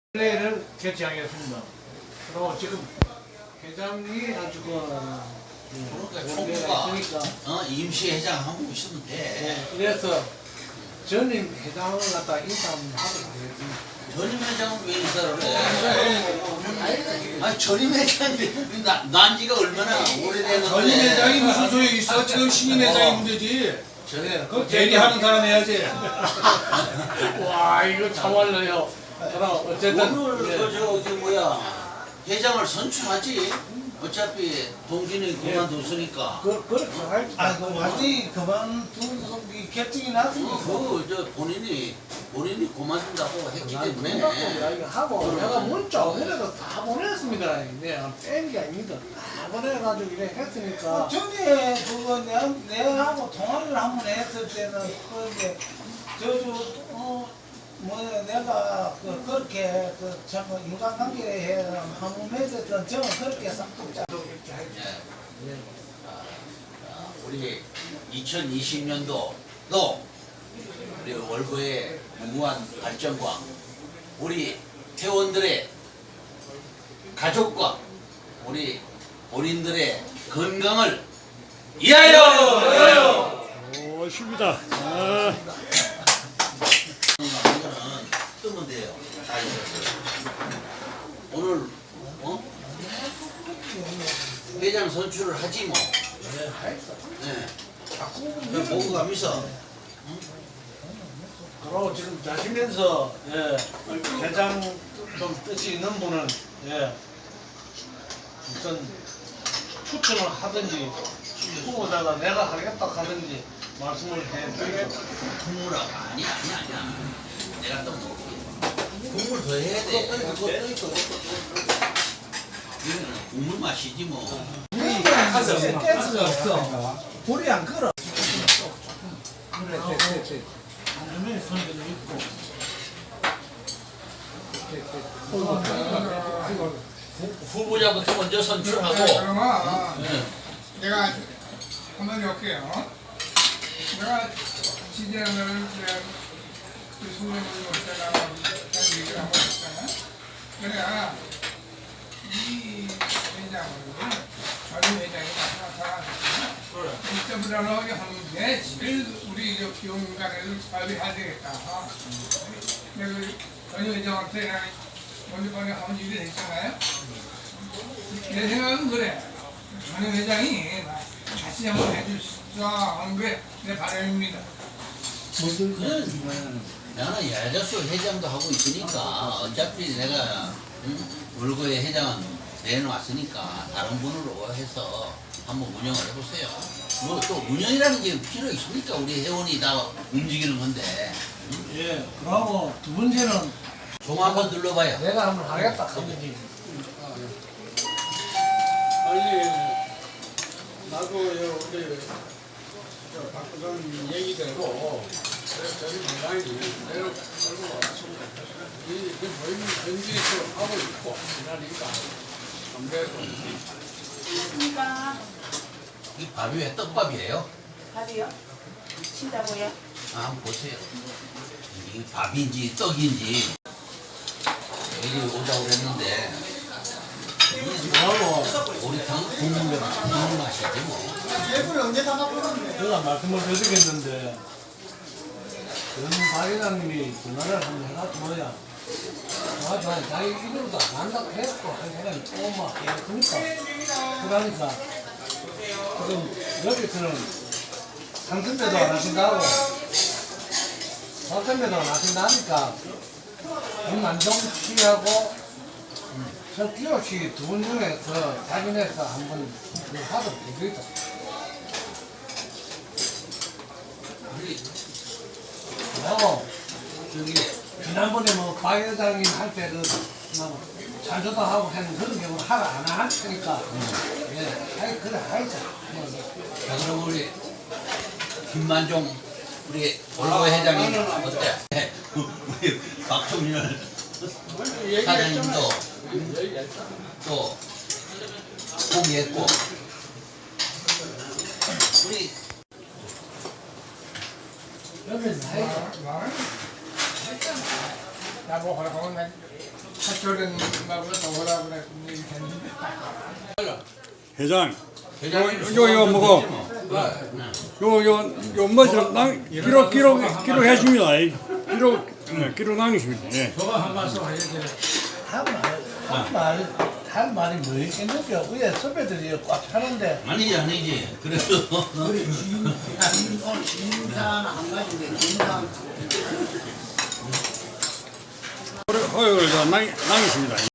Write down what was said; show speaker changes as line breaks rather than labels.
플레이를 개최하겠습니다. 그리고 지금 회장이 아주
총무가 임시 회장 하고 있으면 돼.
그래서 전임 회장을 갖다 인사 한번 하도록 하겠습니다.
전임 회장은 왜 인사를 해? 아니 전임 회장이 난 지가 얼마나 오래됐는데.
전임 회장이 무슨 소용이 있어? 지금 신임 회장이 문제지. 그 대리하는 사람 해야지.
와 이거 참말로요. 그럼 어쨌든
오늘 저기 뭐야 회장을 선출하지. 어차피 동진이 그만뒀으니까.
그렇게 할.
그 완전히 그만둔 결정이 났으니까.
저 본인이 그만둔다고 했기 때문에.
이야기하고 내가 문자 오늘도 다 보냈습니다. 내가 뺀 게 아닙니다. 다 보내가지고 이래 했으니까.
전에 그거 내하고 통화를 한 번 했을 때는 그게 뭐야 내가 그렇게 참 인간관계에 한번 맺었던 저는 그렇게 싹둑 짜.
우리 2020년도도 우리 월보의 무한 발전과 우리 회원들의 가족과 우리 본인들의 건강을 위하여!
오, 쉽니다. 아.
이거는 뜨면 돼요. 다 오늘 회장 선출을 하지 뭐. 네. 그럼 보고 가면서
그리고 지금 자시면서 회장 좀 뜻이 있는 분은 우선 추천을 하든지 후보자가 내가 하겠다 하든지 말씀을 해드리고.
국물아 아니야. 내가 또 국물 더 해야 돼. 이거는 국물 맛이지 뭐.
가스가 없어. 불이 안 끓어.
후보자부터 먼저 선출하고.
그러면
네.
내가 한번 할게요. 내가 지지하는 그 소명을 못하다가 얘기를 한번 했잖아. 내가 이 회장을 전임 회장이 나타나서 이때보다는 하는데 제일 우리 기업인간에도 자비해야 되겠다. 내가 전임 회장한테 내가 먼저 번에 한번 얘기를 했잖아요. 내 생각은 그래. 전임 회장이 같이 한번 해주시자 하는 게 내 바람입니다.
나는 야자수 회장도 하고 있으니까 어차피 내가 월거의 회장은 내놓았으니까 다른 분으로 해서 한번 운영을 해보세요. 뭐 또 운영이라는 게 필요 있습니까? 우리 회원이 다 움직이는 건데.
그러고 두 번째는
종 한번 눌러봐요.
내가 한번 하겠다 하든지.
아니 나도 우리 박부장 얘기대로 저희 민당이 내려 걸고 왔습니다. 이 보이는 현지에서 하고 있고 그러니까 아무래도
안녕하십니까.
이 밥이 왜 떡밥이에요?
밥이요? 친다고요?
아, 한번 보세요. 이게 밥인지 떡인지 여기 오자고 그랬는데 오리탕 국물 맛이지 뭐.
제가 말씀을 드리겠는데 전 사회장님이 전화를 한번 해가지고야 자기 이름도 안 한다고 했고 한 사람이 조금만 그러니까 지금 여기서는 상선배도 안 하신다고 박선배도 안 하신다니까 김만정 씨하고 석기호 씨 두 분 중에서 자기네서 한번 하도록 해드리자. 그리고 저기 지난번에 뭐 박 회장님 할 때는 자주도 하고 하는 그런 경우는 하라 안 할 테니까 그래 하자.
자, 그럼 우리 김만종 우리 월보 회장님 어때? 우리 박종렬 사장님도 또 포기했고 우리
여기는 하자.
나뭐 하라고 하면
학교령님하고 동호라고 그래 했는데
회장,
회장님
요 뭐고,
네.
요뭐좀 기록해 줍니다. 기록 남기십니다. 예.
저거 한 말씀 해야지. 할 말이 뭐 있겠는겨? 위에 선배들이 꽉 차는데.
아니지. 그래도
우리 오늘 진상 한 가지인데 진상
허용을 남기십니다.